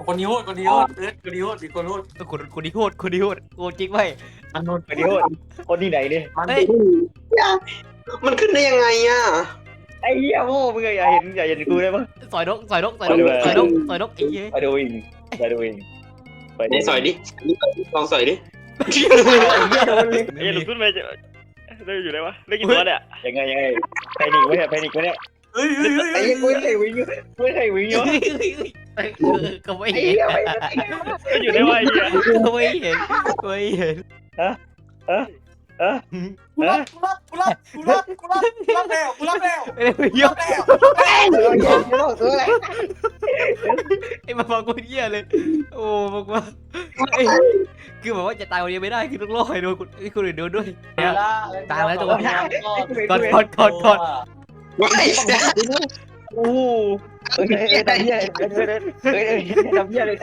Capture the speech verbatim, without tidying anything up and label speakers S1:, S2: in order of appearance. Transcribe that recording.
S1: คนนี้โหดคนนี้โหดเอิร์ธคนนี้โหดอีกคนโหด
S2: คนคนที่โหดคนที่โหดโหดจริงไหม
S1: มันโหด
S3: คนนี้คนที่ไหนเนี่ย
S1: มัน
S2: เฮ้ย
S4: มันขึ้นได้ยังไงอ่ะ
S3: ไอ้เหี้ยโม่มึงอย่าเห็นอย่าเห็นกูได้ปะ
S2: สอยนกสอยนกสอยนกสอยนกสอยนกไอ้เหี้ย
S3: ไปดูเองไปดูเองไป
S4: ไหนสอยดิลองสอยดิ
S3: ไอ้หลุดขึ้นไปจะได้อยู่ได้ปะได้กี่ตัวเนี่ยยังไงยังไงแพนิกไว้เนี่ยแพนิกไว้เนี่ย
S1: เฮ้ยเฮ้ยเฮ้ย
S3: ไอ้
S1: เฮ้ย
S3: กูไม่เคยวิ่งกูไม่เคยวิ่งเนาะ
S2: ก็ไม่
S3: ไอ้
S2: เห็น
S3: เหี้ยไม่ก็อยู่ได้วะไอ้เหี้ย
S2: ก็ไม่เห็นไม่เห็น
S3: ฮะฮะฮะ
S1: กูรับกูรับกูรับกูรับกูรับกูรับแล้วกูรับแล้ว
S2: ไม่ได้ไป
S1: กู
S2: ย
S1: รั
S2: ก
S1: บแล้ว
S2: ไอ้มาฟังกูเหี้ยเลยโอ้บอกว่าไอ้คือแบบว่าจะตายคนเดียวไม่ได้คือต้องรอให้โดนคนไอ้คนอื่นโดนด้วยเนี่ยตายแล้วตัวนี้กอดกอดกอดกอด
S4: ว้าย
S3: โอ้โหเฮ้ยทำเหี้ยเฮ้ยเฮ้ยทำเหี้ยเลย